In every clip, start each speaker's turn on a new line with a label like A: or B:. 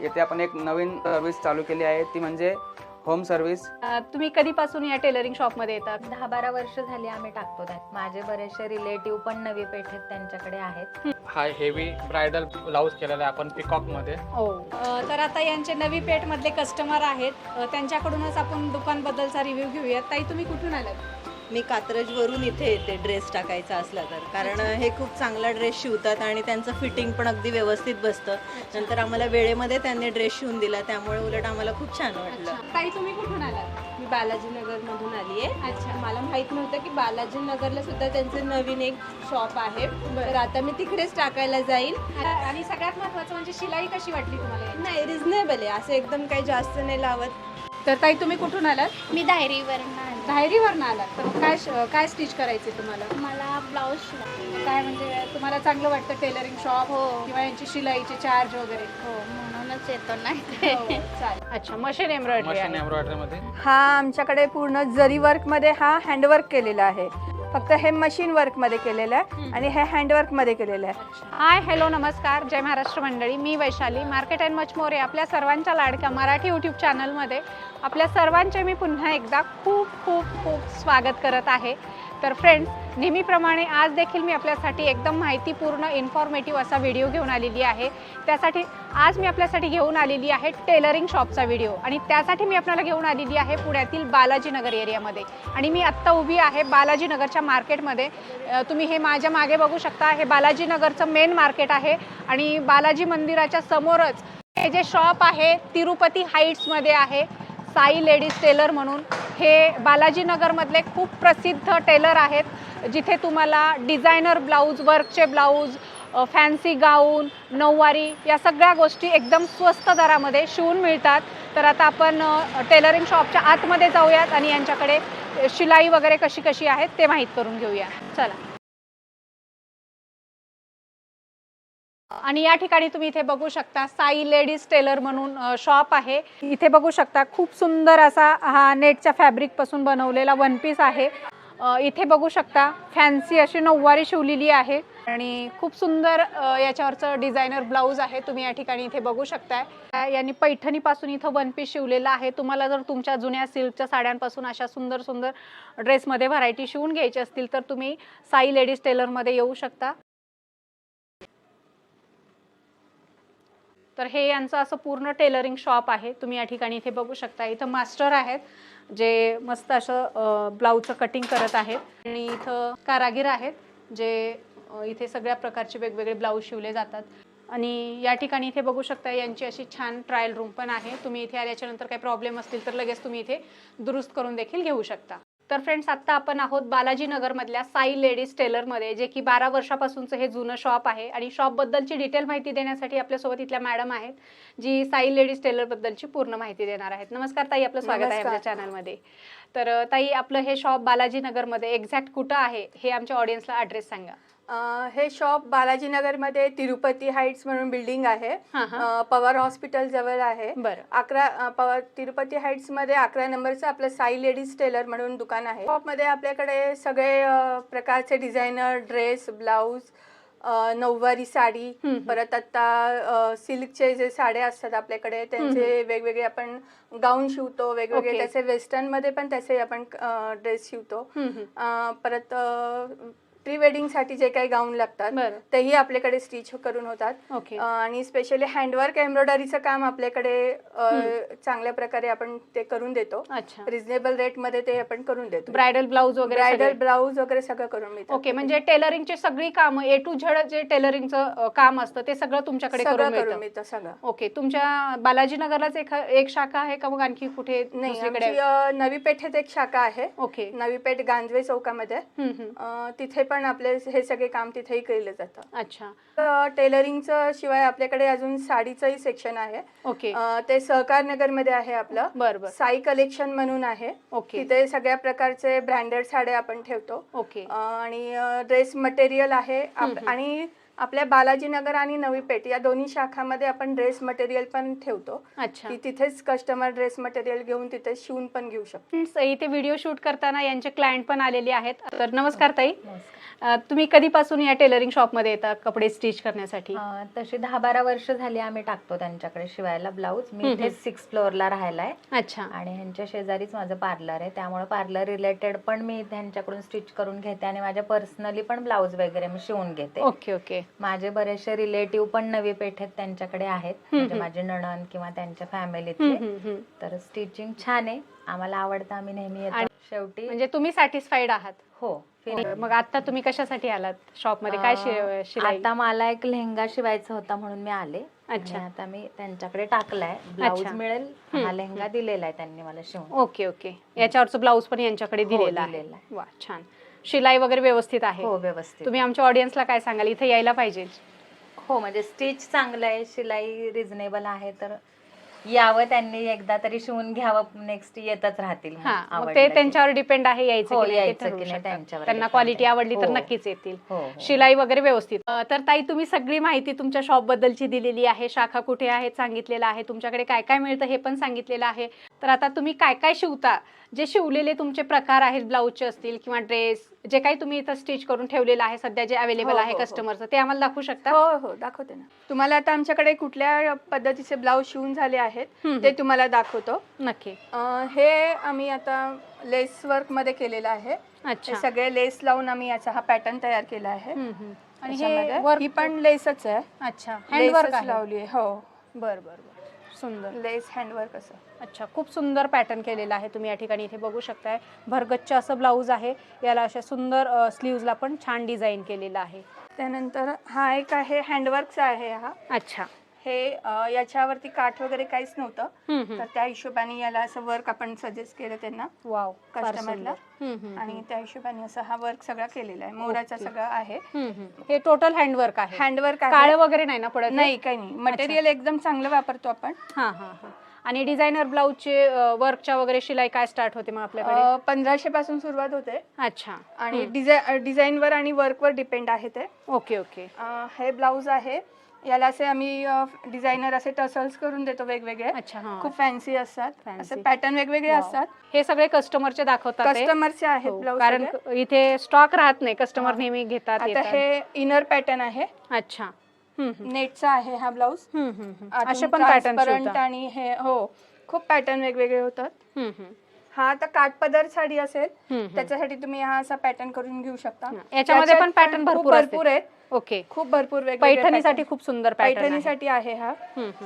A: येथे आपण एक नवीन सर्व्हिस चालू केली आहे, ती म्हणजे होम सर्व्हिस.
B: तुम्ही कधीपासून या टेलरिंग शॉप मध्ये येतात?
C: 10-12 वर्ष झाली आम्ही टाकतो त्यात. माझे बरेचसे रिलेटिव्ह पण नवी पेठेत त्यांच्याकडे आहेत.
D: हा हेवी ब्रायडल ब्लाऊज केलेला आहे आपण पिकॉक मध्ये.
B: हो. तर आता यांचे नवी पेठ मधले कस्टमर आहेत, त्यांच्याकडूनच आपण दुकान बद्दलचा रिव्ह्यू घेऊयात. ताई, तुम्ही कुठून आलात?
E: मी कात्रजवरून इथे येते ड्रेस टाकायचा असला तर, कारण हे खूप चांगला ड्रेस शिवतात आणि त्यांचं फिटिंग पण अगदी व्यवस्थित बसतं. नंतर आम्हाला वेळेमध्ये त्यांनी ड्रेस शिवून दिला, त्यामुळे उलट आम्हाला खूप छान वाटलं.
B: ताई, तुम्ही कुठून आलात?
F: मी बालाजीनगर मधून आली आहे.
B: अच्छा.
F: मला माहित नव्हतं की बालाजीनगरला सुद्धा त्यांचं नवीन एक शॉप आहे, तर आता मी तिकडेच टाकायला जाईल.
B: आणि सगळ्यात महत्त्वाचं म्हणजे शिलाई कशी वाटली तुम्हाला?
F: नाही, रिझनेबल आहे, असं एकदम काही जास्त नाही लावत.
B: तर ताई, तुम्ही कुठून आलात?
G: मी धायरीवरून आले.
B: धायरीवरून आलात. तर काय स्टिच करायचे तुम्हाला?
G: मला ब्लाऊज शिवायचा.
B: काय म्हणजे तुम्हाला चांगलं वाटतं टेलरिंग शॉप किंवा यांची शिलाईचे चार्ज वगैरे?
G: हो, म्हणूनच येतो नाही.
B: चालेल. अच्छा, मशीन एम्ब्रॉयडरी
D: मशीन एम्ब्रॉयडरी मध्ये.
H: हा आमच्याकडे पूर्ण जरी वर्कमध्ये हा हँडवर्क केलेला आहे. फक्त हे मशीन वर्कमध्ये केलेलं आहे आणि हे हँडवर्कमध्ये केलेलं आहे.
B: हाय, हॅलो, नमस्कार, जय महाराष्ट्र मंडळी. मी Vaishali, market and much more आपल्या सर्वांच्या लाडक्या मराठी यूट्यूब चॅनलमध्ये आपल्या सर्वांचे मी पुन्हा एकदा खूप खूप खूप स्वागत करत आहे. तर फ्रेंड्स, नेहमीप्रमाणे आज देखील मी आपल्यासाठी एकदम माहितीपूर्ण इन्फॉर्मेटिव्ह असा व्हिडिओ घेऊन आलेली आहे. आज मी आपल्यासाठी घेऊन आलेली आहे टेलरिंग शॉपचा व्हिडिओ, आणि त्यासाठी मी आपल्याला घेऊन आलेली आहे पुण्यातील बालाजीनगर एरियामध्ये. आणि मी आत्ता उभी आहे बालाजीनगरच्या मार्केटमध्ये. तुम्ही हे माझ्या मागे बघू शकता, हे बालाजीनगरचं मेन मार्केट आहे. आणि बालाजी मंदिराच्या समोरच हे जे शॉप आहे तिरुपती हाईट्समध्ये आहे, साई लेडीज टेलर म्हणून. हे बालाजीनगरमधले खूप प्रसिद्ध टेलर आहेत, जिथे तुम्हाला डिझायनर ब्लाऊज, वर्कचे ब्लाऊज, फॅन्सी गाऊन, नऊवारी या सगळ्या गोष्टी एकदम स्वस्त दरामध्ये शिवून मिळतात. तर आता आपण टेलरिंग शॉपच्या आतमध्ये जाऊयात आणि यांच्याकडे शिलाई वगैरे कशी कशी आहे ते माहीत करून घेऊया. चला. आणि या ठिकाणी तुम्ही इथे बघू शकता साई लेडीज टेलर म्हणून शॉप आहे. इथे बघू शकता खूप सुंदर असा हा नेटच्या फॅब्रिक पासून बनवलेला वन पीस आहे. इथे बघू शकता फॅन्सी अशी नऊवारी शिवलेली आहे आणि खूप सुंदर याच्यावरचं डिझायनर ब्लाऊज आहे. तुम्ही या ठिकाणी इथे बघू शकताय. यांनी पैठणीपासून इथं वन पीस शिवलेला आहे. तुम्हाला जर तुमच्या जुन्या सिल्कच्या साड्यांपासून अशा सुंदर सुंदर ड्रेसमध्ये व्हरायटी शिवून घ्यायची असतील तर तुम्ही साई लेडीज टेलरमध्ये येऊ शकता. तर हे यांचं असं पूर्ण टेलरिंग शॉप आहे. तुम्ही या ठिकाणी इथे बघू शकता. इथं मास्टर आहेत जे मस्त असं ब्लाऊजचं कटिंग करत आहेत, आणि इथं कारागीर आहेत जे इथे सगळ्या प्रकारचे वेगवेगळे ब्लाऊज शिवले जातात. आणि या ठिकाणी इथे बघू शकता यांची अशी छान ट्रायल रूम पण आहे. तुम्ही इथे आल्याच्यानंतर काही प्रॉब्लेम असतील तर लगेच तुम्ही इथे दुरुस्त करून देखील घेऊ शकता. तर फ्रेंड्स, आत्ता आपण आहोत बालाजीनगरमधल्या साई लेडीज टेलरमध्ये, जे की 12 वर्षापासूनचं हे जुनं शॉप आहे. आणि शॉपबद्दलची डिटेल माहिती देण्यासाठी आपल्यासोबत इथल्या मॅडम आहेत, जी साई लेडीज टेलरबद्दलची पूर्ण माहिती देणार आहेत. नमस्कार ताई, आपलं स्वागत आहे आपल्या चॅनलमध्ये. तर ताई, आपलं हे शॉप बालाजीनगरमध्ये एक्झॅक्ट कुठं आहे हे आमच्या ऑडियन्सला ॲड्रेस सांगा.
H: हे शॉप बालाजीनगरमध्ये तिरुपती हाईट्स म्हणून बिल्डिंग आहे, पवार हॉस्पिटल जवळ आहे.
B: बरं.
H: तिरुपती हाईट्स मध्ये 11 नंबरचं आपलं साई लेडीज टेलर म्हणून दुकान आहे. शॉपमध्ये आपल्याकडे सगळे प्रकारचे डिझायनर ड्रेस, ब्लाऊज, नऊवारी साडी, परत आता सिल्कचे जे साड्या असतात आपल्याकडे त्यांचे वेगवेगळे आपण गाऊन शिवतो. वेगवेगळे त्याचे वेस्टर्न मध्ये पण त्याचे आपण ड्रेस शिवतो. परत प्री वेडिंग साठी जे काही गाऊन लागतात तेही आपल्याकडे स्टिच करून होतात. आणि स्पेशली हँडवर्क एम्ब्रॉयडरीचं काम आपल्याकडे चांगल्या प्रकारे आपण ते करून देतो. रिझनेबल रेट मध्ये ते आपण करून देतो.
B: ब्रायडल ब्लाऊज
H: वगैरे सगळं करून मिळतं.
B: ओके, म्हणजे टेलरिंगची सगळी कामं ए टू झेड जे टेलरिंगचं काम असतं ते सगळं तुमच्याकडे करून मिळतं सगळं. ओके, तुमच्या बालाजीनगरलाच एक शाखा आहे का मग आणखी कुठे?
H: नाही, नवी पेठेत एक शाखा आहे.
B: ओके,
H: नवी पेठ गांजवे चौकामध्ये. तिथे पण आपले हे सगळे काम तिथेही केलं जातं.
B: अच्छा.
H: टेलरिंगचं शिवाय आपल्याकडे अजून साडीचंही सेक्शन आहे.
B: ओके,
H: ते सहकार नगर मध्ये आहे आपलं.
B: बरोबर.
H: साई कलेक्शन म्हणून आहे.
B: ओके,
H: तिथे सगळ्या प्रकारचे ब्रँडेड साड्या आपण ठेवतो.
B: ओके,
H: आणि ड्रेस मटेरियल आहे. आणि आपल्या बालाजीनगर आणि नवी पेठ या दोन्ही शाखामध्ये आपण ड्रेस मटेरियल पण ठेवतो,
B: अच्छा.
H: की तिथेच कस्टमर ड्रेस मटेरियल घेऊन तिथे शिवून पण घेऊ शकतो.
B: Friends, इथे व्हिडिओ शूट करताना यांचे क्लायंट पण आलेले आहेत. तर नमस्कार ताई, तुम्ही कधीपासून या टेलरिंग शॉपमध्ये येता कपडे स्टिच करण्यासाठी?
C: तशी 10-12 वर्ष झाली आम्ही टाकतो त्यांच्याकडे शिवायला ब्लाऊज. मी इथे 6th फ्लोअरला राहायला आहे
B: अच्छा.
C: आणि ह्यांच्या शेजारीच माझं पार्लर आहे, त्यामुळे पार्लर रिलेटेड पण मी त्यांच्याकडून स्टिच करून घेते आणि माझ्या पर्सनली पण ब्लाऊज वगैरे मी शिवून घेते.
B: Okay okay.
C: माझे बरेचसे रिलेटिव्ह पण नवी पेठेत त्यांच्याकडे आहेत, म्हणजे माझे नणंद किंवा त्यांच्या फॅमिलीतले. तर स्टिचिंग छान आहे, आम्हाला आवडतं, आम्ही नेहमी येतो. शेवटी
B: म्हणजे तुम्ही सॅटिस्फाईड आहात?
C: हो.
B: मग आता तुम्ही कशासाठी आलात शॉप मध्ये? काय शिलाई?
C: आता मला एक लेहंगा शिवायचा होता म्हणून मी आले.
B: अच्छा.
C: आणि आता मी त्यांच्याकडे टाकलाय, ब्लाऊज मिळेल, हा लेहंगा दिलेला आहे त्यांनी मला शिवून.
B: Okay okay. याच्यावरचं ब्लाऊज पण यांच्याकडे दिलेला आहे. वा छान. शिलाई वगैरे व्यवस्थित आहे?
C: हो व्यवस्थित.
B: तुम्ही आमच्या ऑडियन्सला काय सांगाल, इथे यायला पाहिजे?
C: हो म्हणजे स्टिच चांगलं आहे, शिलाई रिझनेबल आहे, तर यावं त्यांनी एकदा तरी शिवून घ्यावं, नेक्स्ट येतच राहतील.
B: मग ते त्यांच्यावर डिपेंड आहे यायचं की नाही ते ठरवू
C: की नाही
B: शकतात.
C: त्यांच्यावर
B: त्यांना
C: depend
B: क्वालिटी
C: आहे.
B: आवडली तर
C: हो.
B: नक्कीच येतील.
C: हो, हो.
B: शिलाई वगैरे व्यवस्थित. तर ताई, तुम्ही सगळी माहिती तुमच्या शॉप बद्दलची दिलेली आहे, शाखा कुठे आहेत सांगितलेलं आहे, तुमच्याकडे काय काय मिळतं हे पण सांगितलेलं आहे. तर आता तुम्ही काय काय शिवता, जे शिवलेले तुमचे प्रकार आहेत, ब्लाऊजचे असतील किंवा ड्रेस, जे काही तुम्ही इथं स्टिच करून ठेवलेलं आहे सध्या जे अवेलेबल आहे कस्टमरचं, ते आम्हाला दाखवू शकता?
H: हो हो दाखवते ना. तुम्हाला आता आमच्याकडे कुठल्या पद्धतीचे ब्लाऊज शिवून झाले आहेत ते तुम्हाला दाखवतो.
B: नक्की.
H: हे आम्ही आता लेस वर्क मध्ये केलेलं आहे.
B: अच्छा.
H: हे सगळे लेस लावून आम्ही याचा हा पॅटर्न तयार केला आहे.
B: आणि
H: त्याच्यामध्ये
B: हे वर्क
H: ही पण लेसच आहे.
B: अच्छा, हँडवर्क
H: लेसच लावली आहे. हो
B: बर बर बर. सुंदर
H: लेस हँडवर्क असं.
B: अच्छा, खूप सुंदर पॅटर्न केलेला आहे. तुम्ही या ठिकाणी इथे बघू शकताय. भरगच्च असं ब्लाऊज आहे. याला अशा सुंदर स्लीव्जला पण छान डिझाईन केलेलं आहे.
H: त्यानंतर हा एक आहे हँडवर्कचा आहे हा.
B: अच्छा.
H: हे याच्यावरती काठ वगैरे काहीच नव्हतं,
B: हम्म.
H: तर त्या हिशोबाने याला असं वर्क आपण सजेस्ट केलं त्यांना,
B: वाव,
H: कस्टमरला. आणि त्या हिशोबाने असं हा वर्क सगळा केलेला आहे. मोराचा सगळा आहे.
B: हे टोटल हँडवर्क आहे?
H: हँडवर्क
B: काळ वगैरे नाही ना पडत?
H: नाही, काही नाही. मटेरियल एकदम चांगलं वापरतो आपण.
B: हा हा हा. आणि डिझायनर ब्लाऊजचे वर्कच्या वगैरे शिलाई काय स्टार्ट होते मग आपल्याकडे?
H: 1500 पासून सुरुवात होते.
B: अच्छा.
H: आणि डिझाईनवर आणि वर्कवर डिपेंड आहे ते.
B: Okay okay.
H: हे ब्लाऊज आहे, याला असे आम्ही डिझायनर असे टसल्स करून देतो वेगवेगळे.
B: अच्छा. हा.
H: खूप फॅन्सी असतात, असे पॅटर्न वेगवेगळे असतात.
B: हे सगळे कस्टमरचे दाखवतात?
H: कस्टमरचे आहेत ब्लाऊज,
B: कारण इथे स्टॉक राहत नाही, कस्टमर नेहमी घेतात.
H: आता हे इनर पॅटर्न आहे.
B: अच्छा.
H: नेटचा आहे हा ब्लाऊज.
B: असे पण पॅटर्न
H: आणि हे हो खूप पॅटर्न वेगवेगळे होतात. हा आता काठपदर साडी असेल त्याच्यासाठी तुम्ही हा असा पॅटर्न करून घेऊ शकता.
B: याच्यामध्ये पण पॅटर्न भरपूर
H: आहेत.
B: ओके.
H: खूप भरपूर वेगवेगळे
B: पैठणीसाठी खूप सुंदर पॅटर्न.
H: पैठणीसाठी आहे हा.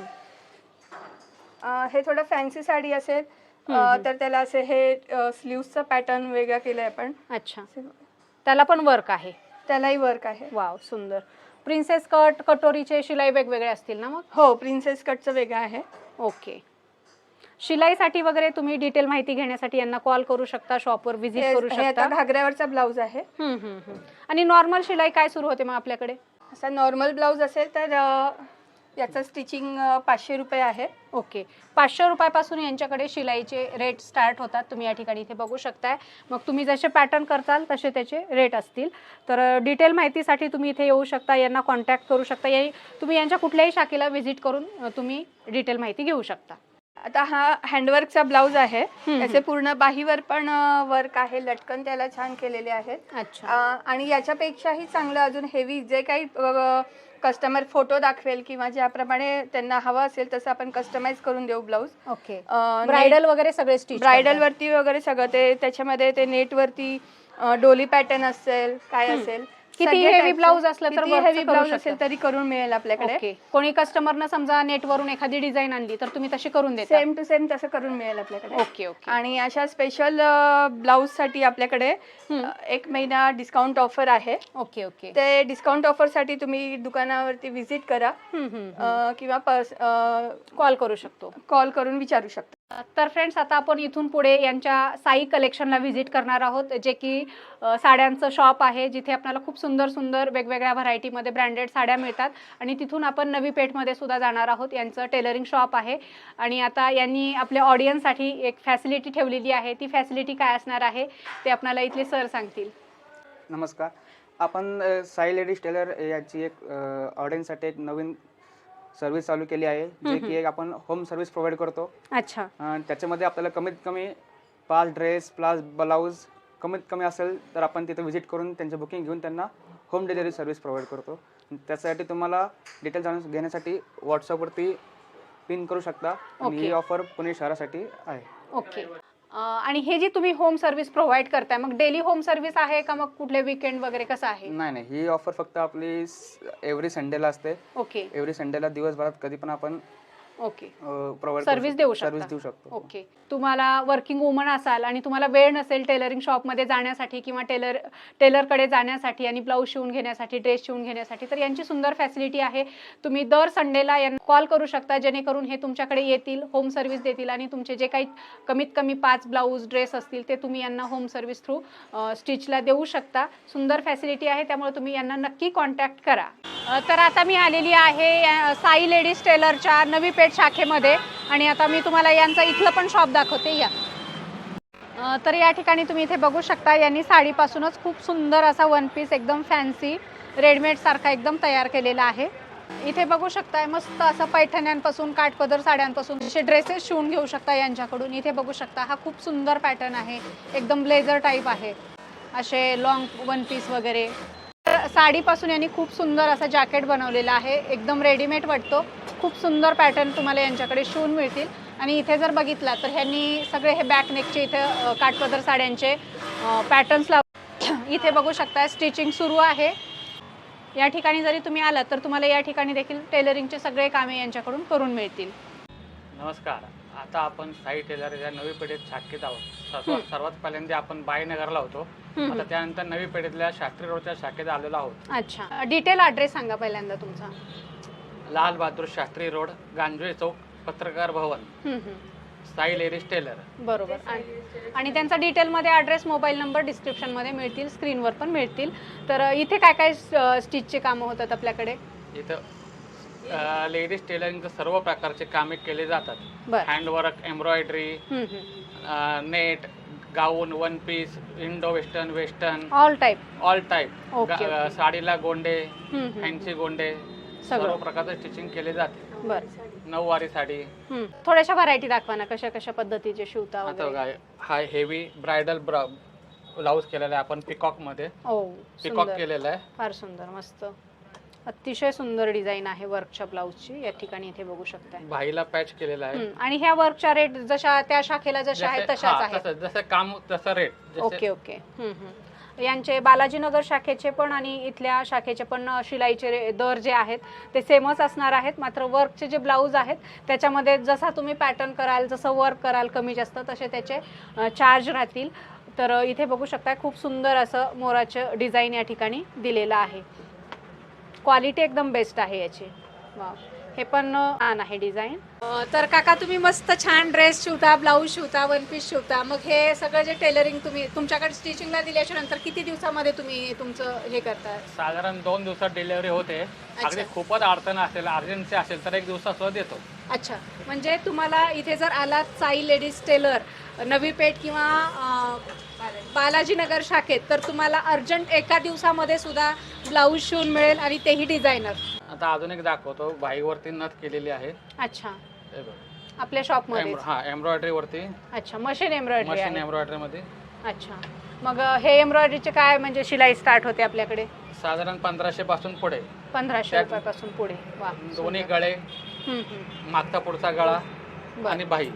H: हे थोडं फॅन्सी साडी असेल तर त्याला असे हे स्लीव्हचा पॅटर्न वेगळा केलाय आपण.
B: अच्छा. त्याला पण वर्क आहे?
H: त्यालाही वर्क आहे.
B: वाव, सुंदर. प्रिन्सेस कट, कटोरीचे शिलाई वेगवेगळे असतील ना मग?
H: हो, प्रिन्सेस कटचं वेगळं आहे.
B: ओके. शिलाईसाठी वगैरे तुम्ही डिटेल माहिती घेण्यासाठी यांना कॉल करू शकता, शॉपवर व्हिजिट करू
H: हे आता
B: शकता.
H: घागऱ्यावरचा ब्लाऊज आहे.
B: आणि नॉर्मल शिलाई काय सुरू होते मग आपल्याकडे?
H: असा नॉर्मल ब्लाऊज असेल तर याचं स्टिचिंग 500 रुपये आहे.
B: ओके. 500 रुपयापासून यांच्याकडे शिलाईचे रेट स्टार्ट होतात. तुम्ही या ठिकाणी इथे बघू शकताय. मग तुम्ही जसे पॅटर्न करताल तसे त्याचे रेट असतील. तर डिटेल माहितीसाठी तुम्ही इथे येऊ शकता, यांना कॉन्टॅक्ट करू शकता. तुम्ही यांच्या कुठल्याही शाखेला व्हिजिट करून तुम्ही डिटेल माहिती घेऊ शकता.
H: आता हा हँडवर्कचा ब्लाऊज आहे. त्याचे पूर्ण बाहीवर पण वर्क आहे, लटकन त्याला छान केलेले आहेत.
B: अच्छा.
H: आणि याच्यापेक्षाही चांगलं अजून हेवी जे काही कस्टमर फोटो दाखवेल किंवा ज्याप्रमाणे त्यांना हवं असेल तसं आपण कस्टमाइज करून देऊ ब्लाऊज.
B: ओके. ब्रायडल वगैरे सगळे स्टिच?
H: ब्रायडल वरती वगैरे सगळं ते त्याच्यामध्ये ते नेट वरती डोली पॅटर्न असेल काय असेल.
B: किती हेवी ब्लाऊज असलं तर
H: हेवी ब्लाऊज असेल तरी करून मिळेल आपल्याकडे.
B: ओके. कोणी कस्टमरनं समजा नेटवरून एखादी डिझाईन आणली तर तुम्ही तशी करून देता?
H: सेम टू सेम तसं करून मिळेल आपल्याकडे.
B: Okay okay.
H: आणि अशा स्पेशल ब्लाऊज साठी आपल्याकडे 1 महिना डिस्काउंट ऑफर आहे.
B: Okay okay.
H: ते डिस्काउंट ऑफर साठी तुम्ही दुकानावरती व्हिजिट करा किंवा
B: कॉल करू शकतो,
H: कॉल करून विचारू शकता.
B: तर फ्रेंड्स, आता आपण इथून पुढे यांच्या साई कलेक्शनला व्हिजिट करणार आहोत, जे की साड्यांचं शॉप आहे, जिथे आपल्याला खूप सुंदर सुंदर वेगवेगळ्या व्हरायटीमध्ये ब्रँडेड साड्या मिळतात. आणि तिथून आपण नवी पेठमध्ये सुद्धा जाणार आहोत. यांचं टेलरिंग शॉप आहे. आणि आता यांनी आपल्या ऑडियन्ससाठी एक फॅसिलिटी ठेवलेली आहे. ती फॅसिलिटी काय असणार आहे ते आपल्याला इथले सर सांगतील.
A: नमस्कार. आपण साई लेडीज टेलर याची एक ऑडियन्ससाठी एक नवीन सर्व्हिस चालू केली आहे, जे की एक आपण होम सर्व्हिस प्रोव्हाइड करतो.
B: अच्छा.
A: त्याच्यामध्ये आपल्याला कमीत कमी 5 ड्रेस प्लस ब्लाऊज कमीत कमी असेल तर आपण तिथे व्हिजिट करून त्यांची बुकिंग घेऊन त्यांना होम डिलिव्हरी सर्व्हिस प्रोव्हाइड करतो. त्यासाठी तुम्हाला डिटेल जाणून घेण्यासाठी व्हॉट्सअपवरती पिन करू शकता. आणि ही ऑफर पुणे शहरासाठी आहे.
B: ओके. आणि हे जी तुम्ही होम सर्व्हिस प्रोव्हाइड करताय, मग डेली होम सर्व्हिस आहे का, मग कुठले वीकेंड वगैरे कसं आहे?
A: नाही, ही ऑफर फक्त आपली एव्हरी संडेला असते.
B: ओके.
A: एव्हरी संडेला दिवसभरात कधी पण आपण
B: ओके
A: प्रोव्हाइड
B: सर्व्हिस देऊ शकतो. ओके. तुम्हाला वर्किंग वुमन असाल आणि तुम्हाला वेळ नसेल टेलरिंग शॉपमध्ये जाण्यासाठी किंवा टेलरकडे जाण्यासाठी आणि ब्लाऊज शिवून घेण्यासाठी, ड्रेस शिवून घेण्यासाठी, तर यांची सुंदर फॅसिलिटी आहे. तुम्ही दर संडेला यांना कॉल करू शकता, जेणेकरून हे तुमच्याकडे येतील, होम सर्व्हिस देतील आणि तुमचे जे काही कमीत कमी 5 ब्लाऊज ड्रेस असतील ते तुम्ही यांना होम सर्व्हिस थ्रू स्टिचला देऊ शकता. सुंदर फॅसिलिटी आहे, त्यामुळे तुम्ही यांना नक्की कॉन्टॅक्ट करा. तर आता मी आलेली आहे साई लेडीज टेलरच्या नवी पेठ शाखेमध्ये आणि आता मी तुम्हाला यांचं इथलं पण शॉप दाखवते. या तर या ठिकाणी तुम्ही इथे बघू शकता, यांनी साडीपासूनच खूप सुंदर असा वन पीस एकदम फॅन्सी रेडमेड सारखा एकदम तयार केलेला आहे. इथे बघू शकताय मस्त असं पैठण्यांपासून, काठपदर साड्यांपासून असे ड्रेसेस शिवून घेऊ शकता यांच्याकडून. इथे बघू शकता हा खूप सुंदर पॅटर्न आहे, एकदम ब्लेझर टाईप आहे, असे लॉंग वन पीस वगैरे. साडीपासून यांनी खूप सुंदर असा जॅकेट बनवलेला आहे, एकदम रेडीमेड वाटतो. खूप सुंदर पॅटर्न तुम्हाला यांच्याकडे शिवून मिळतील. आणि इथे जर बघितला तर ह्यांनी सगळे हे बॅक नेकचे इथे काठपदर साड्यांचे पॅटर्न्स इथे बघू शकता स्टिचिंग सुरू आहे. या ठिकाणी जरी तुम्ही आलात तर तुम्हाला या ठिकाणी देखील टेलरिंगचे सगळे कामे यांच्याकडून करून मिळतील.
D: नमस्कार. आता आपण साई टेलर या नवी पेठेत शाखेत आहोत. सर्वात पहिल्यांदा आपण बायनगरला होतो, आता त्यानंतर नवी पेठेतल्या शास्त्री रोडच्या शाखेत आलेलो आहोत.
B: अच्छा. डिटेल ॲड्रेस सांगा पहिल्यांदा तुमचा.
D: Lal Bahadur Shastri road, Ganjave Chowk, Patrakar Bhavan, Sai ladies teller.
B: बरोबर. आणि त्यांचा डिटेलमध्ये ॲड्रेस, मोबाईल नंबर डिस्क्रिप्शनमध्ये मिळतील, स्क्रीनवर पण मिळतील. तर इथे काय काय स्टिचचे कामं होतात आपल्याकडे?
D: इथं लेडीज टेलरिंगचे सर्व प्रकारचे कामे केले जातात. Handwork, embroidery, net, gown, one piece, Indo western,
B: all type.
D: साडीला गोंडे, फॅन्सी गोंडे, सर्व प्रकारचे स्टिचिंग केले जाते.
B: बरं.
D: नऊवारी साडी.
B: थोड्याशा व्हरायटी दाखवा ना, कशा कशा पद्धतीचे शिवता वगैरे.
D: हा हेवी ब्रायडल ब्लाऊज केलेला आहे आपण पिकॉक मध्ये. पिकॉक केलेला आहे.
B: फार सुंदर, मस्त, अतिशय सुंदर डिझाईन आहे वर्कच्या ब्लाऊजची. या ठिकाणी इथे बघू शकता
D: भाईला पॅच केलेला आहे.
B: आणि ह्या वर्कच्या रेट जशा त्या शाखेला जशा आहेत तशाच आहेत.
D: जसं काम तसं रेट.
B: ओके. यांचे बालाजीनगर शाखेचे पण आणि इथल्या शाखेचे पण शिलाईचे दर जे आहेत ते सेमच असणार आहेत. मात्र वर्कचे जे ब्लाऊज आहेत त्याच्यामध्ये जसा तुम्ही पॅटर्न कराल, जसं वर्क कराल कमी जास्त, तसे त्याचे चार्ज राहतील. तर इथे बघू शकता खूप सुंदर असं मोराचं डिझाईन या ठिकाणी दिलेलं आहे. क्वालिटी एकदम बेस्ट आहे याची. वा, हे पण छान आहे डिझाईन. तर काका तुम्ही मस्त छान ड्रेस शिवता, ब्लाऊज शिवता, वन पीस शिवता. मग हे सगळं जे टेलरिंग तुम्ही तुमच्याकडे स्टिचिंगला दिल्याच्या नंतर किती दिवसामध्ये तुम्ही तुमचं हे करता?
D: साधारण 2 दिवसात डिलिव्हरी होते. अगदी खूपच अडचण असेल, अर्जन्सी असेल तर 1 दिवसात सुद्धा देतो.
B: अच्छा. म्हणजे तुम्हाला इथे जर आलात साई लेडीज टेलर नवी पेठ किंवा बालाजीनगर शाखेत, तर तुम्हाला अर्जंट एका दिवसामध्ये सुद्धा ब्लाऊज शिवून मिळेल आणि तेही डिझायनर.
D: आता अजून एक दाखवतो. बाईवरती नथ केलेली आहे.
B: अच्छा. आपल्या शॉपमध्ये?
D: हा, एम्ब्रॉयडरी वरती.
B: अच्छा, मशीन एम्ब्रॉयडरी.
D: मशीन एम्ब्रॉयडरी मध्ये.
B: अच्छा. मग हे एम्ब्रॉयडरीचे काय म्हणजे शिलाई स्टार्ट होते आपल्याकडे?
D: साधारण 1500 पासून पुढे.
B: 1500 रुपयापासून पुढे. वा.
D: दोन्ही गळे, मागचा पुढचा गळा आणि बाई.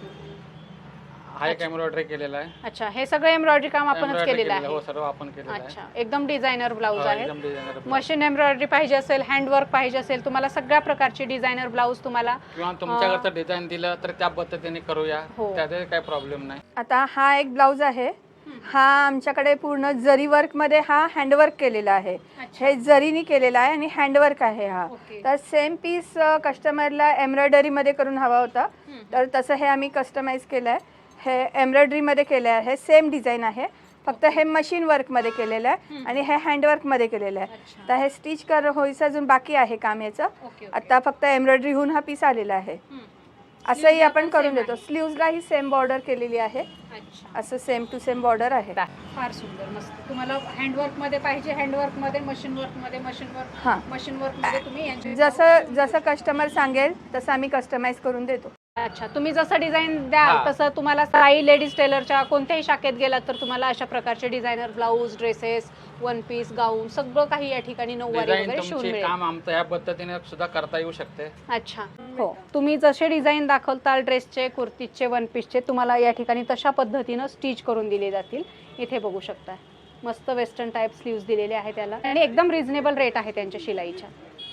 D: हा एक एम्ब्रॉयडरी केलेला आहे.
B: अच्छा. हे सगळं एम्ब्रॉयडरी काम आपणच केलेलं आहे?
D: हो, सर्व आपण केलेलं आहे.
B: अच्छा. एकदम डिझायनर ब्लाऊज आहे. मशीन एम्ब्रॉयडरी पाहिजे असेल, हँडवर्क पाहिजे असेल, तुम्हाला सगळ्या प्रकारचे डिझायनर ब्लाऊज तुम्हाला
D: किंवा तुमच्याकडचं डिझाईन दिलं तर त्या पद्धतीने करूया, त्याचे काही प्रॉब्लेम नाही.
H: आता हा एक ब्लाऊज आहे. हा आमच्याकडे पूर्ण जरी वर्क मध्ये हा हँडवर्क केलेला आहे. हे जरीनी केलेला आहे आणि हँडवर्क आहे हा. तर सेम पीस कस्टमरला एम्ब्रॉयडरी मध्ये करून हवा होता, तर तसं हे आम्ही कस्टमाइज केलं आहे. हे एम्ब्रॉयडरी मध्ये केलं आहे. सेम डिझाईन आहे, फक्त हे मशीन वर्क मध्ये केलेलं आहे आणि हे हँडवर्क मध्ये केलेलं आहे. तर हे स्टिच होईचं अजून बाकी आहे काम याचं. आता फक्त एम्ब्रॉयडरी होऊन हा पीस आलेला आहे. असंही आपण करून देतो. स्लीव्जला ही सेम बॉर्डर केलेली आहे.
B: अच्छा,
H: असं सेम टू सेम बॉर्डर आहे.
B: फार सुंदर, मस्त. तुम्हाला हँडवर्क मध्ये पाहिजे, हँडवर्क मध्ये, मशीन वर्क मध्ये,
H: हां.
B: मशीन वर्क मध्ये तुम्ही यांचे
H: जसं जसं कस्टमर सांगेल तसं आम्ही कस्टमाइज करून देतो.
B: अच्छा, तुम्ही जसं डिझाईन द्याल
D: हा.
B: तसं तुम्हाला साई लेडीज टेलरच्या कोणत्याही शाखेत गेलात तर तुम्हाला अशा प्रकारचे designer blouse, dresses, one piece, gown सगळं काही या ठिकाणी नऊवारी
D: डिझाईन
B: वगैरे शिवून
D: तुमचे
B: मिळेल.
D: काम आमचं ह्या पद्धतीने सुद्धा करता येऊ शकते.
B: अच्छा, हो. तुम्ही जसे डिझाईन दाखवताल ड्रेसचे, कुर्तीचे, वन पीसचे, तुम्हाला या ठिकाणी तशा पद्धतीनं स्टिच करून दिले जातील. इथे बघू शकता, मस्त वेस्टर्न टाईप स्लीव्ज दिलेले आहेत त्याला आणि एकदम रिझनेबल रेट आहे त्यांच्या शिलाईच्या.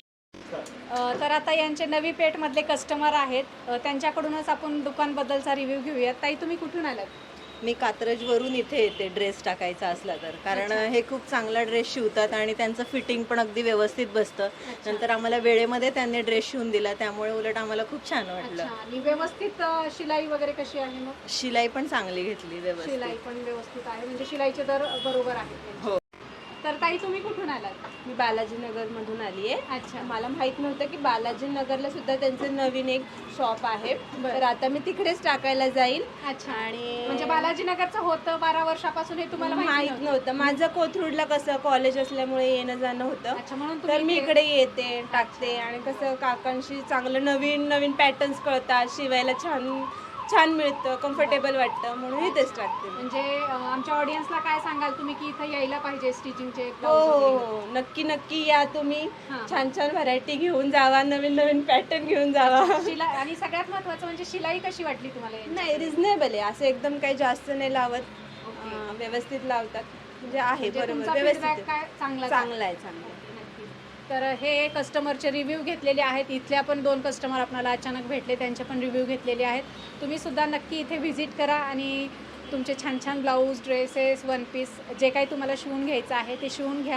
B: तर आता यांचे नवी पेठमधले कस्टमर आहेत, त्यांच्याकडूनच आपण दुकानबद्दलचा रिव्ह्यू घेऊयात. ताई, तुम्ही कुठून आलात?
E: मी कात्रजवरून इथे येते ड्रेस टाकायचा असला तर, कारण हे खूप चांगला ड्रेस शिवतात आणि त्यांचं फिटिंग पण अगदी व्यवस्थित बसतं. नंतर आम्हाला वेळेमध्ये त्यांनी ड्रेस शिवून दिला, त्यामुळे उलट आम्हाला खूप छान वाटलं.
B: आणि व्यवस्थित शिलाई वगैरे कशी आहे मग?
E: शिलाई पण चांगली घेतली व्यवस्थित.
B: शिलाई पण व्यवस्थित आहे, म्हणजे शिलाईचे दर बरोबर आहेत.
E: हो.
B: तर ताई, तुम्ही कुठून आलात?
F: मी बालाजीनगर मधून आली आहे.
B: अच्छा.
F: मला माहित नव्हतं की बालाजीनगरला सुद्धा त्यांचं नवीन एक शॉप आहे. तर आता मी तिकडेच टाकायला जाईल.
B: अच्छा,
F: आणि
B: म्हणजे बालाजीनगरचं होतं 12 वर्षापासून हे तुम्हाला
F: माहित नव्हतं. माझं कोथरूडला कसं कॉलेज असल्यामुळे येणं जाणं होतं.
B: अच्छा, म्हणून
F: तर
B: तुम्ही
F: मी इकडे येते, टाकते आणि कसं काकांशी चांगलं नवीन नवीन पॅटर्न्स कळतात, शिवायला छान छान मिळतं, कम्फर्टेबल वाटतं, म्हणून इथेच टाकते.
B: म्हणजे आमच्या ऑडियन्सला काय सांगाल तुम्ही की इथं यायला पाहिजे स्टिचिंगचे
F: हो हो हो, नक्की नक्की या तुम्ही.
B: हां.
F: छान छान व्हरायटी घेऊन जावा, नवीन नवीन पॅटर्न घेऊन जावा.
B: शिलाई, आणि सगळ्यात महत्त्वाचं म्हणजे शिलाई कशी वाटली तुम्हाला यांची?
F: नाही, रिझनेबल आहे, असं एकदम काही जास्त नाही लावत. व्यवस्थित लावतात, म्हणजे आहे
B: म्हणजे
F: बरोबर,
B: तुमचा
F: व्यवस्थित
B: feedback
F: आहे.
B: काय चांगला
F: चांगला आहे, चांगला आहे.
B: तर हे कस्टमरचे रिव्ह्यू घेतलेले आहेत. इथल्या पण 2 कस्टमर आपल्याला अचानक भेटले, त्यांचे पण रिव्ह्यू घेतलेले आहेत. तुम्ही सुद्धा नक्की इथे व्हिजिट करा आणि तुमचे छान छान ब्लाऊज, ड्रेसेस, वन पीस जे काही तुम्हाला शिवून घ्यायचं आहे ते शिवून घ्या.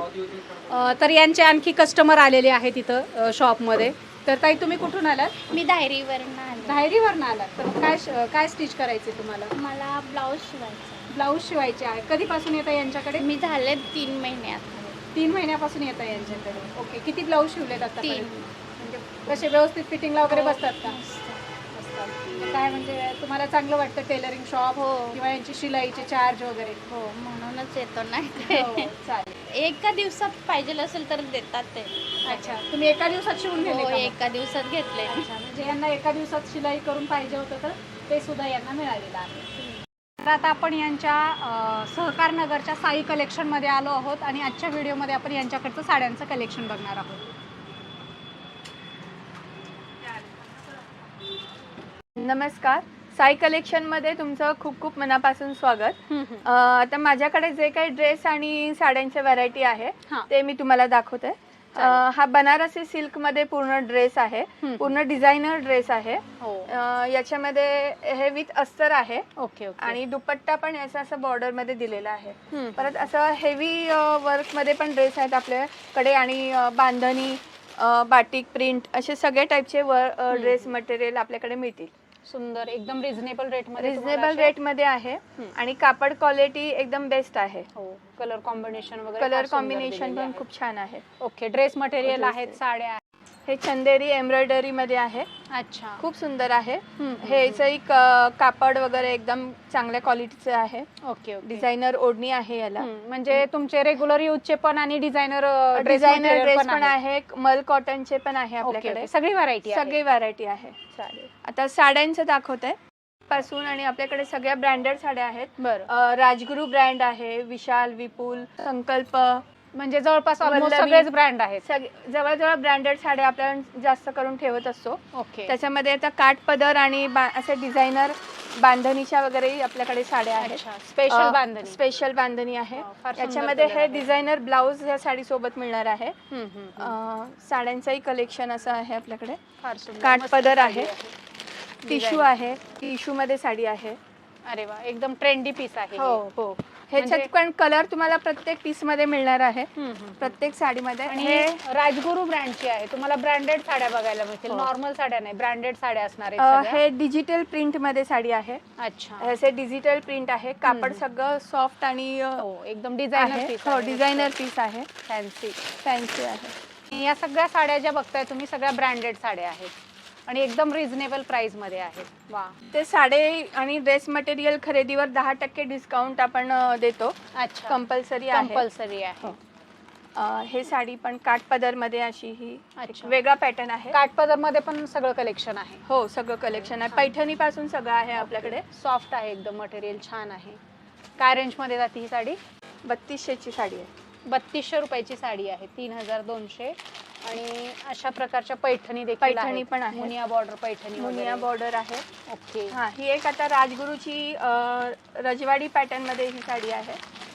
B: तर यांचे आणखी कस्टमर आलेले आहेत इथं शॉपमध्ये. तर ताई, तुम्ही कुठून आलात?
G: मी धायरीवरनं आले.
B: धायरीवरनं आलात. तर काय स्टिच करायचे तुम्हाला?
G: मला ब्लाऊज शिवायचा.
B: ब्लाऊज शिवायचे आहे. कधीपासून येतं यांच्याकडे?
G: मी झाले 3 महिन्यात.
B: 3 महिन्यापासून येतं यांच्याकडे. ओके, किती ब्लाऊज शिवलेत आता?
G: 3.
B: म्हणजे कसे व्यवस्थित फिटिंगला वगैरे बसतात का?
G: मस्त.
B: बसतात. काय म्हणजे तुम्हाला चांगलं वाटतं टेलरिंग शॉप
G: हो.
B: किंवा यांची शिलाईचे चार्ज वगैरे?
G: हो, म्हणूनच येतो ना
B: हो,
G: इथे.
B: चालेल.
G: एका दिवसात पाहिजे असेल तर देतात ते.
B: अच्छा, तुम्ही एका दिवसात शिवून गेले
G: हो,
B: का मग?
G: एका दिवसात घेतले.
B: अच्छा, म्हणजे यांना एका दिवसात शिलाई करून पाहिजे होतं तर ते सुद्धा यांना मिळालेलं आहे. तर आता आपण यांच्या सहकार नगरच्या साई कलेक्शनमध्ये आलो आहोत आणि आजच्या व्हिडिओमध्ये आपण यांच्याकडचं साड्यांचं कलेक्शन बघणार आहोत.
H: नमस्कार, साई कलेक्शनमध्ये तुमचं खूप खूप मनापासून स्वागत. आता माझ्याकडे जे काही ड्रेस आणि साड्यांच्या व्हरायटी आहे
B: हां.
H: ते मी तुम्हाला दाखवते. हा बनारसी सिल्कमध्ये पूर्ण ड्रेस आहे, पूर्ण डिझायनर ड्रेस आहे.
B: हो.
H: याच्यामध्ये हे विथ अस्तर आहे
B: ओके ओके.
H: आणि दुपट्टा पण याचा असं बॉर्डर मध्ये दिलेला आहे. परत असं हेवी वर्क मध्ये पण ड्रेस आहेत आपल्याकडे आणि बांधणी, बाटिक प्रिंट असे सगळे टाईपचे ड्रेस मटेरियल आपल्याकडे मिळतील.
B: सुंदर, एकदम रिझनेबल रेटमध्ये.
H: रिझनेबल रेट मध्ये आहे आणि कापड क्वालिटी एकदम बेस्ट आहे.
B: हो, कलर कॉम्बिनेशन वगैरे
H: कलर
B: फार सुंदर
H: कॉम्बिनेशन
B: दिलेले
H: पण
B: आहे.
H: खूप छान आहे.
B: ओके, ड्रेस मटेरियल
H: ड्रेस
B: आहेत,
H: आहे.
B: साड्या आहेत.
H: हे चंदेरी एम्ब्रॉयडरी मध्ये आहे,
B: अच्छा,
H: खूप सुंदर आहे. हे याचंही कापड वगैरे एकदम चांगल्या क्वालिटीचं आहे.
B: Okay okay.
H: डिझायनर ओढणी आहे याला.
B: म्हणजे तुमचे रेग्युलर यूजचे पण आणि डिझायनर
H: डिझायनर ड्रेस पण आहे, मल कॉटनचे पण आहे आपल्याकडे.
B: आपल्याकडे सगळी व्हरायटी
H: सगळी व्हरायटी आहे.
B: चालेल.
H: आता साड्यांचं दाखवते पासून आणि आपल्याकडे सगळ्या ब्रँडेड साड्या आहेत.
B: बरं,
H: राजगुरू ब्रँड आहे, विशाल, विपुल, संकल्प,
B: म्हणजे जवळपास ऑलमोस्ट
H: वल्लभी.
B: सगळेच ब्रँड आहेत.
H: जवळजवळ ब्रँडेड साड्या आपण जास्त करून ठेवत असतो.
B: ओके.
H: त्याच्यामध्ये आता काठ पदर आणि असे डिझायनर बांधणीच्या वगैरे आपल्याकडे साड्या आहेत.
B: स्पेशल बांधणी.
H: स्पेशल बांधणी आहे.
B: फार सुंदर
H: याच्यामध्ये
B: कलर
H: हे
B: आहे.
H: डिझायनर ब्लाऊज ह्या साडी सोबत मिळणार आहे. साड्यांचंही कलेक्शन असं आहे आपल्याकडे.
B: फार सुंदर,
H: काठ
B: मस्त
H: पदर
B: साडी
H: आहे, टिश्यू आहे, टिश्यू मध्ये साडी आहे.
B: अरे वा, एकदम ट्रेंडी पीस आहे.
H: हो हो. ह्याच्यात पण कलर तुम्हाला प्रत्येक पीस मध्ये मिळणार आहे, प्रत्येक साडीमध्ये.
B: आणि
H: हे
B: हे राजगुरू ब्रँडची आहे. तुम्हाला ब्रँडेड साड्या बघायला मिळतील,
H: हो.
B: नॉर्मल साड्या नाही, ब्रँडेड साड्या असणार आहेत सगळ्या.
H: हे डिजिटल प्रिंट मध्ये साडी आहे.
B: अच्छा,
H: हे डिजिटल प्रिंट आहे. कापड सगळं सॉफ्ट आणि
B: हो, एकदम डिझायनर
H: आहे.
B: पीस.
H: हो, डिझायनर पीस आहे,
B: फॅन्सी.
H: फॅन्सी आहे.
B: या सगळ्या साड्या ज्या बघताय तुम्ही सगळ्या ब्रँडेड साड्या आहेत. आणि एकदम रिझनेबल प्राइस मध्ये आहे. वा,
H: ते साडे आणि ड्रेस मटेरियल खरेदीवर 10% डिस्काउंट आपण देतो.
B: अच्छा,
H: कंपल्सरी आहे.
B: कंपल्सरी आहे.
H: हे साडी पण काठपदर मध्ये अशी ही एक
B: अच्छा.
H: वेगळा पॅटर्न आहे.
B: काठपदर मध्ये पण सगळं कलेक्शन आहे.
H: हो, सगळं कलेक्शन आहे. पैठणी पासून सगळं आहे आपल्याकडे.
B: सॉफ्ट आहे एकदम, मटेरियल छान आहे. काय रेंज मध्ये जाते ही साडी?
H: 3200 ची साडी आहे.
B: 3200 रुपयाची साडी आहे. 3200. आणि अशा प्रकारच्या पैठणी देखील
H: पैठणी
B: आहेत.
H: पण आहे.
B: मुनिया बॉर्डर पैठणी
H: मुनिया
B: वगैरे.
H: बॉर्डर आहे.
B: ओके.
H: हा, ही एक आता राजगुरूची रजवाडी पॅटर्न मध्ये ही साडी आहे.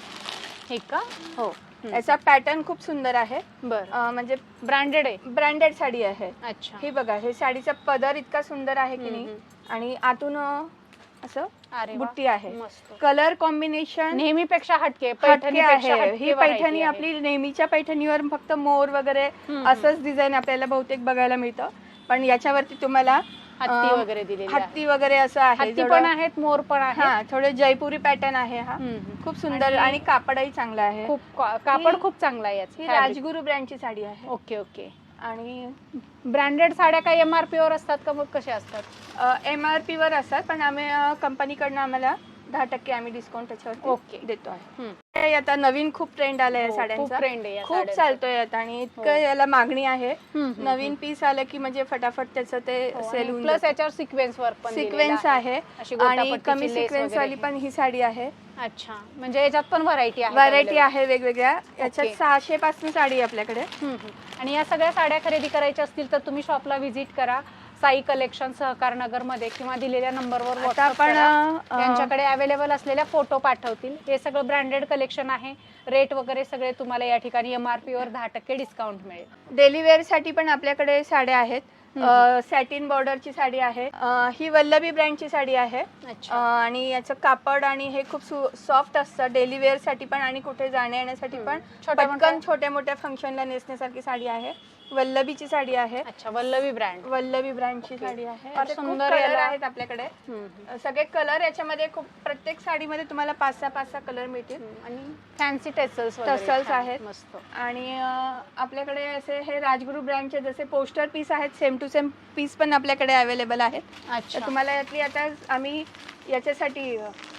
B: हे का?
H: हो, याचा पॅटर्न खूप सुंदर आहे.
B: बरं,
H: म्हणजे
B: ब्रँडेड आहे.
H: ब्रँडेड साडी आहे.
B: अच्छा.
H: हे बघा, हे साडीचा पदर इतका सुंदर आहे की नाही. आणि आतून असं
B: अरे वा,
H: बुट्टी आहे.
B: मस्त.
H: कलर कॉम्बिनेशन
B: नेहमीपेक्षा हटके
H: हटके
B: पैठणीपेक्षा
H: आहे.
B: हटके
H: ही
B: variety
H: पैठणी
B: आहे.
H: आपली नेहमीच्या पैठणीवर फक्त मोर वगैरे असंच डिझाईन आपल्याला बहुतेक बघायला मिळतं. पण याच्यावरती तुम्हाला
B: हत्ती वगैरे दिलेली आहे.
H: हत्ती वगैरे असं आहे.
B: हत्ती पण आहेत, मोर पण आहे.
H: हा, थोडे जयपुरी पॅटर्न आहे हा. खूप सुंदर आणि कापडही चांगला आहे.
B: खूप कापड खूप चांगला आहे
H: ही
B: याचं.
H: राजगुरू ब्रँडची साडी आहे.
B: Okay okay.
H: आणि
B: ब्रँडेड साड्या काही MRP वर असतात का, मग कशा असतात?
H: MRP वर असतात, पण आम्ही कंपनीकडनं आम्हाला 10% आम्ही डिस्काउंट त्याच्यावर
B: ओके.
H: देतो आहे. हे आता नवीन खूप ट्रेंड आलाय या
B: हो, खूप
H: साड्यांचा.
B: ट्रेंड आहे या
H: खूप
B: साड्यांचा.
H: चालतोय आता आणि इतकं याला मागणी आहे. नवीन पीस आलं की म्हणजे फटाफट त्याचं ते सेल होऊन
B: प्लस याच्यावर सिक्वेन्स वर्क पण
H: सिक्वेन्स आहे.
B: अशी
H: आणि
B: गोटापट्टीची
H: कमी
B: lace
H: सिक्वेन्स
B: वगैरे
H: वाली पण ही साडी आहे.
B: अच्छा, म्हणजे याच्यात पण व्हरायटी आहे.
H: व्हरायटी आहे वेगवेगळ्या. याच्यात
B: ओके.
H: 600 पासून साडी आहे आपल्याकडे.
B: आणि या सगळ्या साड्या खरेदी करायच्या असतील तर तुम्ही शॉपला व्हिजिट करा. साई कलेक्शन सहकार नगर मध्ये किंवा दिलेल्या नंबरवर
H: आता
B: व्हॉट्सअप
H: आपण
B: करा. त्यांच्याकडे अवेलेबल असलेल्या फोटो पाठवतील. हे सगळं ब्रँडेड कलेक्शन आहे. रेट वगैरे सगळे तुम्हाला या ठिकाणी MRP वर 10% डिस्काउंट मिळेल.
H: डेली वेअर साठी पण आपल्याकडे साड्या आहेत. सॅटिन बॉर्डरची साडी आहे. ही वल्लभी ब्रँडची साडी आहे.
B: अच्छा.
H: आणि याचं कापड आणि हे खूप सॉफ्ट असतं. डेली वेअर साठी पण आणि कुठे जाण्या येण्यासाठी पण पटकन छोट्या मोठ्या फंक्शनला नेसण्यासारखी साडी आहे. वल्लभीची साडी आहे.
B: अच्छा, वल्लभी ब्रँड.
H: वल्लभी ब्रँडची साडी आहे.
B: फार
H: असे खूप
B: सुंदर
H: कलर
B: याला-
H: आहेत आपल्याकडे. सगळे कलर याच्यामध्ये खूप, प्रत्येक साडीमध्ये तुम्हाला 5-6 कलर मिळतील.
B: आणि फॅन्सी टसल्स
H: टसल्स आहेत.
B: मस्त.
H: आणि आपल्याकडे असे हे राजगुरू ब्रँडचे जसे पोस्टर पीस आहेत, सेम टू सेम पीस पण आपल्याकडे अवेलेबल आहेत.
B: अच्छा,
H: तर तुम्हाला यातली आता आम्ही याच्यासाठी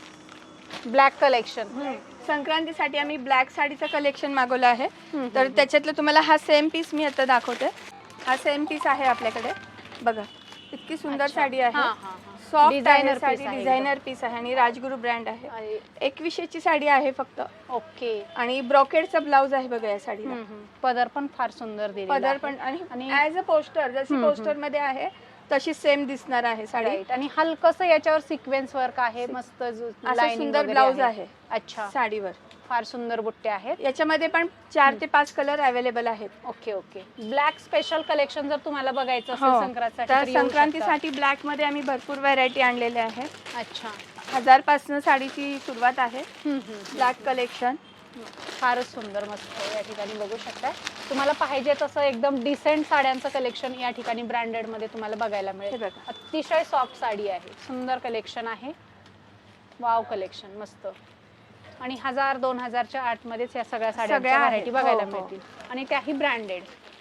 B: ब्लॅक कलेक्शन.
H: संक्रांतीसाठी आम्ही ब्लॅक साडीचं कलेक्शन मागवलं आहे. तर त्याच्यातलं तुम्हाला हा सेम पीस मी आता दाखवते. हा सेम पीस आहे आपल्याकडे. बघा, इतकी सुंदर साडी आहे. सॉफ्ट
B: Designer
H: साडी,
B: piece आहे
H: डिझायनर पीस आहे आणि राजगुरू ब्रँड आहे. 2100 ची साडी आहे फक्त.
B: ओके.
H: आणि ब्रॉकेडचा ब्लाउज आहे बघा या साडीला.
B: पदर पण फार सुंदर दिलेला
H: पदर
B: आहे.
H: पण आणि
B: आणि
H: ॲज अ पोस्टर, जशी पोस्टर मध्ये आहे तशी सेम दिसणार आहे साडी.
B: राईट. आणि हलकसं याच्यावर सिक्वेन्स वर्क आहे. मस्त
H: असं
B: लाइनिंग
H: सुंदर ब्लाउज आहे
B: अच्छा,
H: साडीवर.
B: फार सुंदर बुट्टे आहेत.
H: याच्यामध्ये पण 4 ते 5 कलर अवेलेबल आहेत.
B: Okay okay. Black special collection जर तुम्हाला बघायचं
H: हो.
B: असेल संक्रांतीसाठी
H: तर
B: तर येऊ शकता.
H: संक्रांतीसाठी ब्लॅक मध्ये आम्ही भरपूर व्हरायटी आणलेल्या आहे.
B: अच्छा.
H: 1000 पासून साडीची सुरुवात आहे. ब्लॅक कलेक्शन
B: फारच सुंदर, मस्त या ठिकाणी बघू शकता. तुम्हाला पाहिजे तसं एकदम डिसेंट साड्यांचं कलेक्शन या ठिकाणी ब्रँडेड मध्ये तुम्हाला बघायला
H: हे
B: मिळेल.
H: बघा.
B: अतिशय सॉफ्ट साडी आहे. सुंदर कलेक्शन आहे. वाव कलेक्शन, मस्त. आणि 1000-2000च्या आतमध्येच या सगळ्या साड्यांच्या
H: सगळ्या आहेत.
B: व्हरायटी बघायला
H: हो, हो.
B: मिळतील. आणि त्याही ब्रँडेड.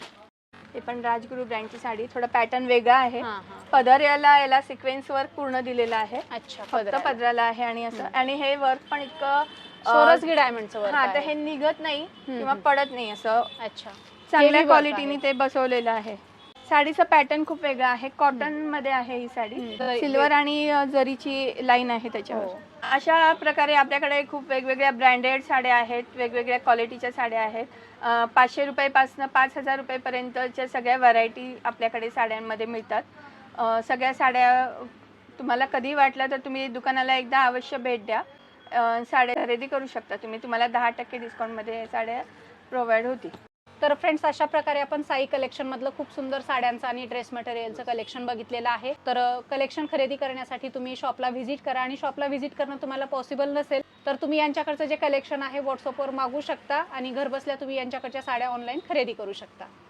H: हे पण राजगुरू ब्रँडची साडी. थोडा पॅटर्न वेगळा आहे.
B: हां हां.
H: पदर याला सिक्वेन्स वर्क पूर्ण दिलेला आहे.
B: अच्छा,
H: फक्त पदराला आहे आणि असं. आणि हे वर्क पण इतकं
B: सोरसगी डायमंडचं वर्क
H: हा, तर
B: आहे.
H: हे निघत नाही किंवा पडत नाही. असं
B: अच्छा,
H: चांगल्या
B: Heavy work
H: क्वालिटीने
B: आहे.
H: ते बसवलेलं आहे. साडीचं पॅटर्न खूप वेगळं आहे. कॉटन मध्ये आहे ही साडी. सिल्वर आणि जरीची लाईन आहे त्याच्यावर.
B: हो.
H: अशा प्रकारे आपल्याकडे खूप वेगवेगळ्या ब्रँडेड साड्या आहेत. वेगवेगळ्या क्वालिटीच्या साड्या आहेत. 500 रुपयापासून 5000 रुपयेपर्यंतच्या सगळ्या व्हरायटी आपल्याकडे साड्यांमध्ये मिळतात. सगळ्या साड्या तुम्हाला कधी वाटलं तर तुम्ही दुकानाला एकदा अवश्य भेट द्या. साड्या खरेदी करू शकता तुम्ही. तुम्हाला 10% डिस्काउंटमध्ये साड्या प्रोव्हाइड होतील.
B: तर फ्रेंड्स, अशा प्रकारे आपण साई कलेक्शन मधलं खूप सुंदर साड्यांचं आणि ड्रेस मटेरियलचं कलेक्शन बघितलेलं आहे. तर कलेक्शन खरेदी करण्यासाठी तुम्ही शॉपला व्हिजिट करा. आणि शॉपला व्हिजिट करणं तुम्हाला पॉसिबल नसेल तर तुम्ही यांच्याकडचं जे कलेक्शन आहे व्हॉट्सअपवर मागू शकता आणि घरबसल्या तुम्ही यांच्याकडच्या साड्या ऑनलाईन खरेदी करू शकता.